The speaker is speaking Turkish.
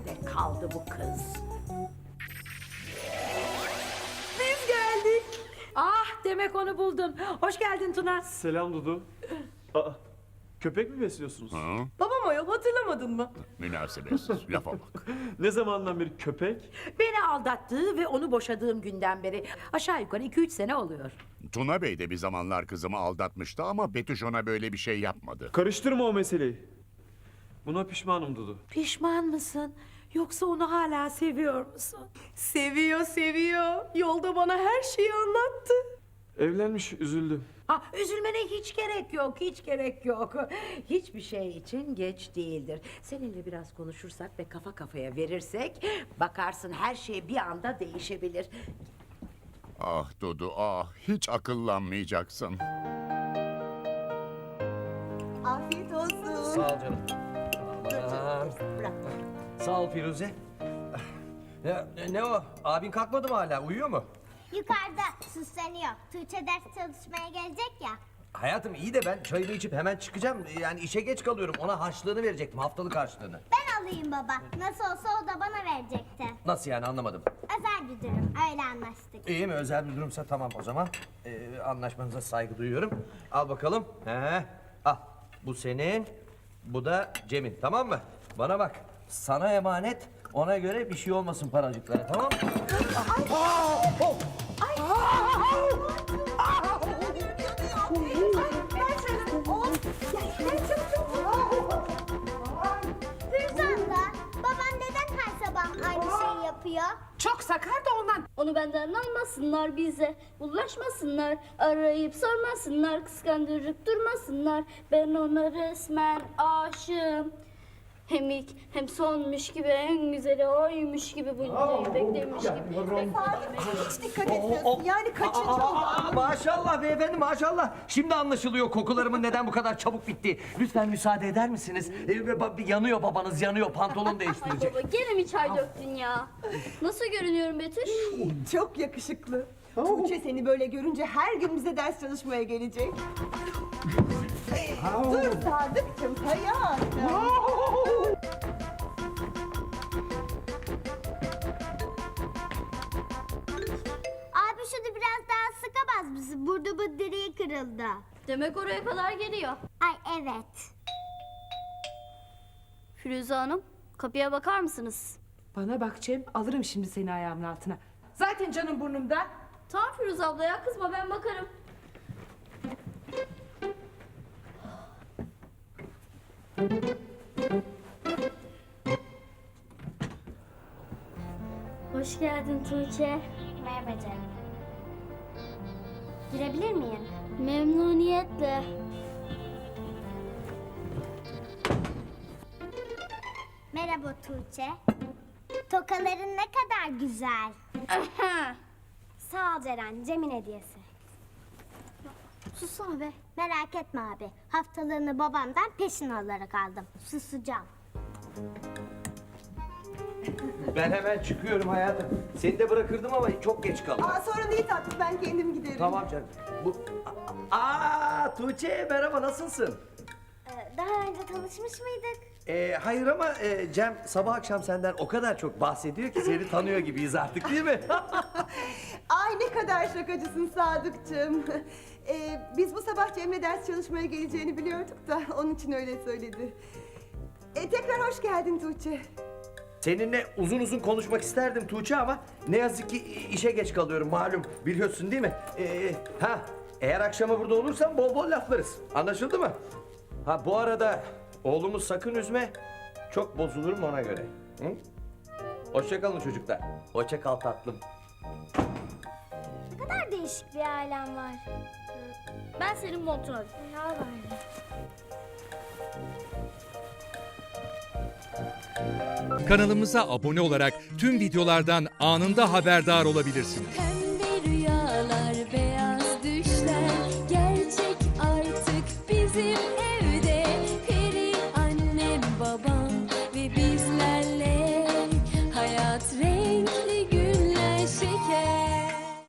Nerede kaldı bu kız? Biz geldik. Ah, demek onu buldun. Hoş geldin Tuna. Selam Dudu. Aa, köpek mi besliyorsunuz? Babam ayol, hatırlamadın mı? Münasebetsiz, lafa bak. Ne zamandan beri köpek? Beni aldattığı ve onu boşadığım günden beri aşağı yukarı 2-3 sene oluyor. Tuna Bey de bir zamanlar kızımı aldatmıştı ama Betüş ona böyle bir şey yapmadı. Karıştırma o meseleyi. Buna pişmanım Dudu. Pişman mısın? Yoksa onu hala seviyor musun? Seviyor, seviyor. Yolda bana her şeyi anlattı. Evlenmiş, üzüldüm. Ah, üzülmene hiç gerek yok, hiç gerek yok. Hiçbir şey için geç değildir. Seninle biraz konuşursak ve kafa kafaya verirsek... ...bakarsın her şey bir anda değişebilir. Ah Dudu, ah, hiç akıllanmayacaksın. Afiyet olsun. Sağ ol canım. Aman. Bırak. Sağ ol Firuze. Ya, ne o? Abin kalkmadı mı hala? Uyuyor mu? Yukarıda süsleniyor. Tuğçe ders çalışmaya gelecek ya. Hayatım iyi de ben çayımı içip hemen çıkacağım. Yani işe geç kalıyorum. Ona harçlığını verecektim, haftalık harçlığını. Ben alayım baba. Nasıl olsa o da bana verecekti. Nasıl yani, anlamadım. Özel bir durum. Öyle anlaştık. İyi mi? Özel bir durumsa tamam o zaman. Anlaşmanıza saygı duyuyorum. Al bakalım. Al. Bu senin. Bu da Cem'in. Tamam mı? Bana bak. Sana emanet. Ona göre bir şey olmasın paracıklara. Tamam mı? Firuze abla, babam neden her sabah aynı şeyi yapıyor? Çok sakar da ondan. Onu benden almasınlar bize. Bulaşmasınlar. Arayıp sormasınlar. Kıskandırıp durmasınlar. Ben ona resmen aşığım. Hem ilk hem sonmuş gibi en güzeli oymuş gibi bunca beklemiş gibi. Hiç dikkat etmiyorsun. Yani kaçıncı oldu? Maşallah beyefendi, maşallah. Şimdi anlaşılıyor kokularımın neden bu kadar çabuk bittiği. Lütfen müsaade eder misiniz? Yanıyor babanız, yanıyor. Pantolon Ay değiştirecek. baba gene mi çay döktün ya? Nasıl görünüyorum Betüş? Çok yakışıklı. Tuğçe seni böyle görünce her gün bize ders çalışmaya gelecek. Dur Sadıkçım, hayatım. Abi şunu biraz daha sıkamaz mısın? Burada bu direği kırıldı. Demek oraya kadar geliyor. Ay evet. Firuze Hanım kapıya bakar mısınız? Bana bak Cem, alırım şimdi seni ayağımın altına. Zaten canım burnumda. Tamam Firuze abla ya kızma ben bakarım. Hoş geldin Tuğçe. Merhaba canım. Girebilir miyim? Memnuniyetle. Merhaba Tuğçe. Tokaların ne kadar güzel. Sağ ol Ceren, Cem'in hediyesi. Sussana be. Merak etme abi. Haftalığını babamdan peşin alarak aldım. Susacağım. Ben hemen çıkıyorum hayatım. Seni de bırakırdım ama çok geç kaldım. Sorun değil tatlım, ben kendim giderim. Tamam canım. Tuğçe merhaba, nasılsın? Daha önce tanışmış mıydık? Hayır ama Cem sabah akşam senden o kadar çok bahsediyor ki seni tanıyor gibiyiz artık, değil mi? Ay ne kadar şakacısın Sadıkçım. Biz bu sabah Cem'le ders çalışmaya geleceğini biliyorduk da onun için öyle söyledi. Tekrar hoş geldin Tuğçe. Seninle uzun uzun konuşmak isterdim Tuğçe ama ne yazık ki işe geç kalıyorum malum, biliyorsun değil mi? Eğer akşama burada olursan bol bol laflarız. Anlaşıldı mı? Ha bu arada oğlumu sakın üzme. Çok bozulurum ona göre. Hı? Hoşça kalın çocuklar. Hoşça kal tatlım. Ne kadar değişik bir ailem var. Ben senin montunu alayım. Ya var. Kanalımıza abone olarak tüm videolardan anında haberdar olabilirsiniz.